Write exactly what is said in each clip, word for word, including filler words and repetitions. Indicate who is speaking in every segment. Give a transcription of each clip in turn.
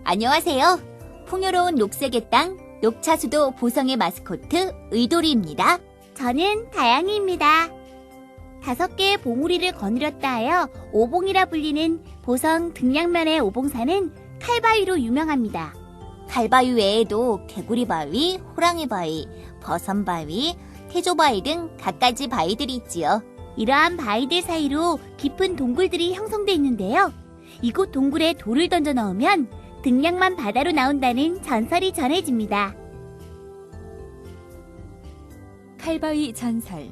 Speaker 1: 안녕하세요. 풍요로운 녹색의 땅, 녹차수도 보성의 마스코트 의돌이입니다.
Speaker 2: 저는 다양이입니다. 다섯 개의 봉우리를 거느렸다 하여 오봉이라 불리는 보성 등량면의 오봉산은 칼바위로 유명합니다.
Speaker 1: 칼바위 외에도 개구리바위, 호랑이바위, 버선바위, 태조바위 등 갖가지 바위들이 있지요.
Speaker 2: 이러한 바위들 사이로 깊은 동굴들이 형성돼 있는데요. 이곳 동굴에 돌을 던져 넣으면 등량만 바다로 나온다는 전설이 전해집니다.
Speaker 1: 칼바위 전설.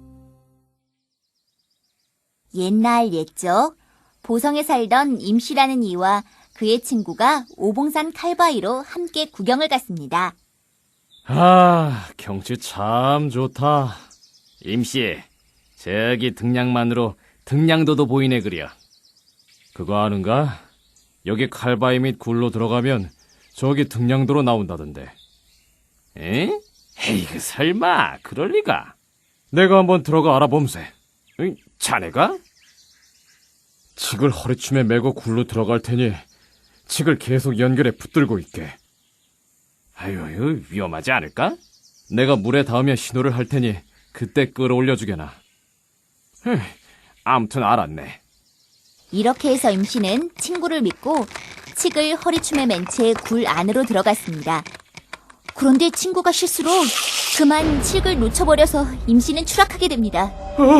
Speaker 1: 옛날 옛적 보성에 살던 임씨라는 이와 그의 친구가 오봉산 칼바위로 함께 구경을 갔습니다.
Speaker 3: 아, 경치 참 좋다. 임씨, 저기 등량만으로 등량도도 보이네 그려. 그거 아는가? 여기 칼바위 및 굴로 들어가면 저기 등량도로 나온다던데. 에? 에이그 설마 그럴 리가. 내가 한번 들어가 알아봄세. 응, 자네가? 칡을 허리춤에 메고 굴로 들어갈 테니 칡을 계속 연결해 붙들고 있게. 아유, 위험하지 않을까? 내가 물에 닿으면 신호를 할 테니 그때 끌어올려주게나. 흠, 아무튼 알았네.
Speaker 1: 이렇게 해서 임씨는 친구를 믿고 칡을 허리춤에 맨 채 굴 안으로 들어갔습니다. 그런데 친구가 실수로 그만 칡을 놓쳐버려서 임씨는 추락하게 됩니다.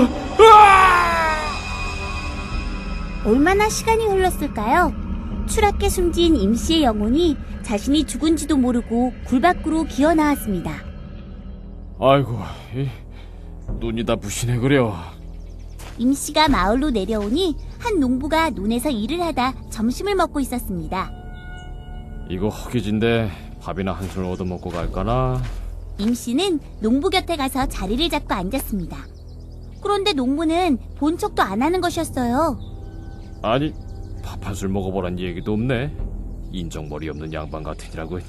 Speaker 2: 얼마나 시간이 흘렀을까요? 추락해 숨진 임씨의 영혼이 자신이 죽은지도 모르고 굴 밖으로 기어 나왔습니다.
Speaker 3: 아이고, 이, 눈이 다 부시네 그려.
Speaker 2: 임씨가 마을로 내려오니 한 농부가 논에서 일을 하다 점심을 먹고 있었습니다.
Speaker 3: 이거 허기진데 밥이나 한술 얻어먹고 갈까나?
Speaker 2: 임씨는 농부 곁에 가서 자리를 잡고 앉았습니다. 그런데 농부는 본 척도 안 하는 것이었어요.
Speaker 3: 아니, 밥 한술 먹어보란 얘기도 없네. 인정머리 없는 양반 같으니라고.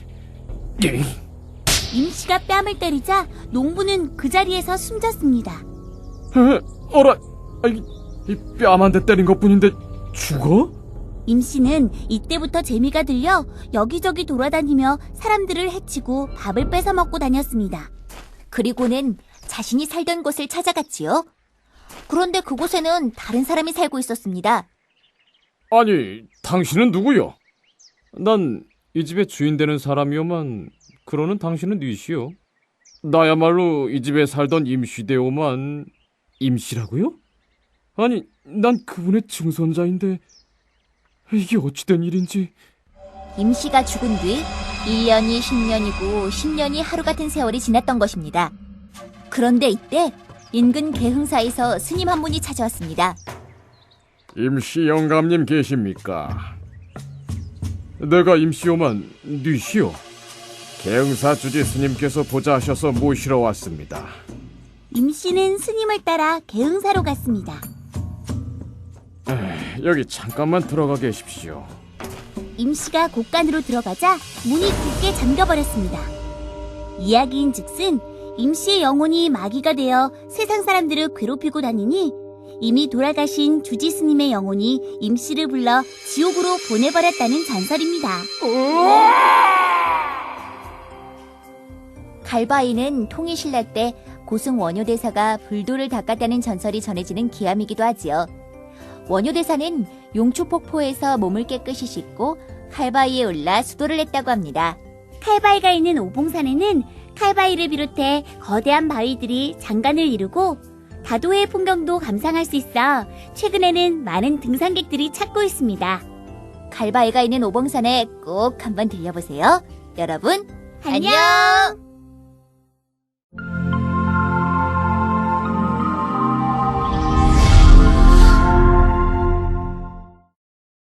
Speaker 2: 임씨가 뺨을 때리자 농부는 그 자리에서 숨졌습니다.
Speaker 3: 어라, 이 뺨 한 대 때린 것뿐인데 죽어?
Speaker 2: 임씨는 이때부터 재미가 들려 여기저기 돌아다니며 사람들을 해치고 밥을 뺏어 먹고 다녔습니다.
Speaker 1: 그리고는 자신이 살던 곳을 찾아갔지요. 그런데 그곳에는 다른 사람이 살고 있었습니다.
Speaker 3: 아니, 당신은 누구요? 난 이 집의 주인 되는 사람이오만 그러는 당신은 뉘시오. 나야말로 이 집에 살던 임시되오만. 임시라고요? 아니, 난 그분의 증손자인데 이게 어찌된 일인지.
Speaker 1: 임씨가 죽은 뒤 일 년이 십 년이고 십 년이 하루 같은 세월이 지났던 것입니다. 그런데 이때 인근 개흥사에서 스님 한 분이 찾아왔습니다.
Speaker 3: 임시 영감님 계십니까? 내가 임시오만 뉘시오. 개흥사 주지 스님께서 보자 하셔서 모시러 왔습니다.
Speaker 2: 임씨는 스님을 따라 개흥사로 갔습니다.
Speaker 3: 에이, 여기 잠깐만 들어가 계십시오.
Speaker 2: 임씨가 곳간으로 들어가자 문이 굳게 잠겨버렸습니다. 이야기인 즉슨 임씨의 영혼이 마귀가 되어 세상 사람들을 괴롭히고 다니니 이미 돌아가신 주지 스님의 영혼이 임씨를 불러 지옥으로 보내버렸다는 전설입니다.
Speaker 1: 칼바위는 통일신라 때 고승 원효대사가 불도를 닦았다는 전설이 전해지는 기암이기도 하지요. 원효대사는 용초폭포에서 몸을 깨끗이 씻고 칼바위에 올라 수도를 했다고 합니다.
Speaker 2: 칼바위가 있는 오봉산에는 칼바위를 비롯해 거대한 바위들이 장관을 이루고 다도해의 풍경도 감상할 수 있어 최근에는 많은 등산객들이 찾고 있습니다.
Speaker 1: 칼바위가 있는 오봉산에 꼭 한번 들려보세요. 여러분,
Speaker 2: 안녕!
Speaker 1: 안녕!